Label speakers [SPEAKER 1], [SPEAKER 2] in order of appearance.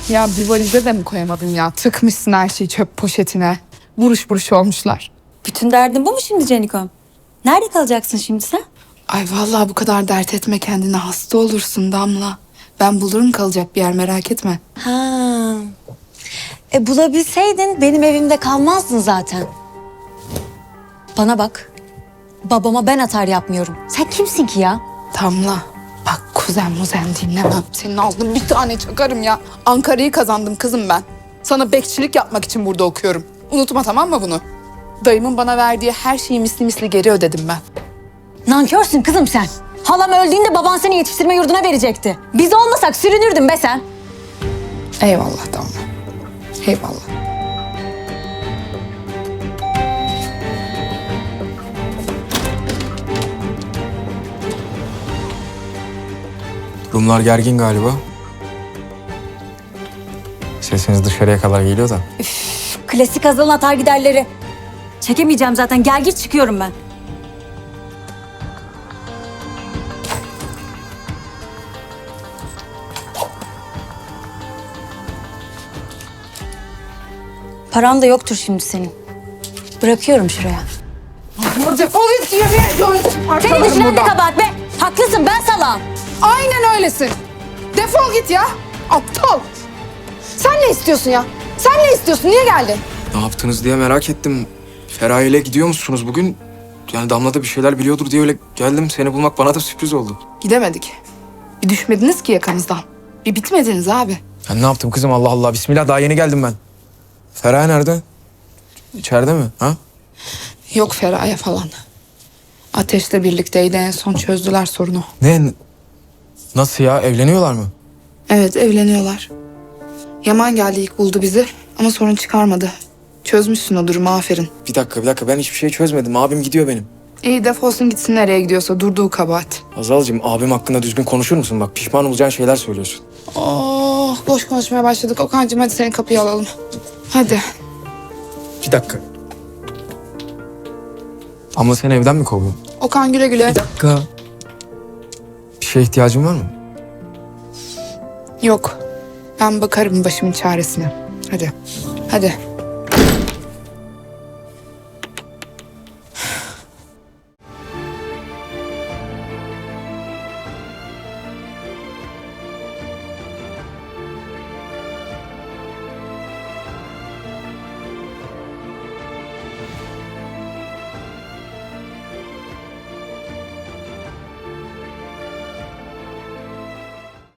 [SPEAKER 1] Ya bir valize de mi koyamadın ya? Tıkmışsın her şeyi çöp poşetine. Buruş buruş olmuşlar.
[SPEAKER 2] Bütün derdin bu mu şimdi Canikom? Nerede kalacaksın şimdi sen?
[SPEAKER 1] Ay vallahi bu kadar dert etme kendine, hasta olursun Damla. Ben bulurum kalacak bir yer, merak etme.
[SPEAKER 2] Ha. Bulabilseydin benim evimde kalmazdın zaten. Bana bak. Babama ben atar yapmıyorum. Sen kimsin ki ya?
[SPEAKER 1] Damla bak, kuzen muzen dinlemem. Senin ağzına bir tane çakarım ya. Ankara'yı kazandım kızım ben. Sana bekçilik yapmak için burada okuyorum. Unutma, tamam mı bunu? Dayımın bana verdiği her şeyi misli misli geri ödedim ben.
[SPEAKER 2] Nankörsün kızım sen. Halam öldüğünde baban seni yetiştirme yurduna verecekti. Biz olmasak sürünürdün be sen.
[SPEAKER 1] Eyvallah Damla. Eyvallah.
[SPEAKER 3] Rumlar gergin galiba. Sesiniz dışarıya kadar geliyor da.
[SPEAKER 2] Klasik Hazal'ın atar giderleri. Çekemeyeceğim zaten. Gel git çıkıyorum ben. Paran da yoktur şimdi senin. Bırakıyorum şuraya.
[SPEAKER 1] Defol git, yemeğe
[SPEAKER 2] Senin düşünen de kabahat be. Haklısın, ben salağım.
[SPEAKER 1] Aynen öylesin. Defol git ya. Aptal. Sen ne istiyorsun ya? Sen ne istiyorsun? Niye geldin?
[SPEAKER 3] Ne yaptınız diye merak ettim. Feraye ile gidiyor musunuz bugün? Yani Damla da bir şeyler biliyordur diye öyle geldim. Seni bulmak bana da sürpriz oldu.
[SPEAKER 1] Gidemedik. Bir düşmediniz ki yakamızdan. Bir bitmediniz abi.
[SPEAKER 3] Ben ne yaptım kızım, Allah Allah. Bismillah, daha yeni geldim ben. Feraye nerede? İçeride mi? Ha?
[SPEAKER 1] Yok Feraye falan. Ateş'le birlikteydi, en son çözdüler sorunu.
[SPEAKER 3] Ne? Nasıl ya? Evleniyorlar mı?
[SPEAKER 1] Evet, evleniyorlar. Yaman geldi, ilk buldu bizi ama sorun çıkarmadı. Çözmüşsün o durumu, aferin.
[SPEAKER 3] Bir dakika. Ben hiçbir şey çözmedim. Abim gidiyor benim.
[SPEAKER 1] İyi, defolsun gitsin, nereye gidiyorsa, durduğu kabahat.
[SPEAKER 3] Hazal'cığım, abim hakkında düzgün konuşur musun? Bak, pişman olacağın şeyler söylüyorsun.
[SPEAKER 1] Oh, boş konuşmaya başladık. Okan'cığım hadi seni kapıya alalım. Hadi.
[SPEAKER 3] Bir dakika. Ama seni evden mi kovuyor?
[SPEAKER 1] Okan güle güle.
[SPEAKER 3] Dakika. Bir şeye ihtiyacın var mı?
[SPEAKER 1] Yok. Ben bakarım başımın çaresine. Hadi. Hadi.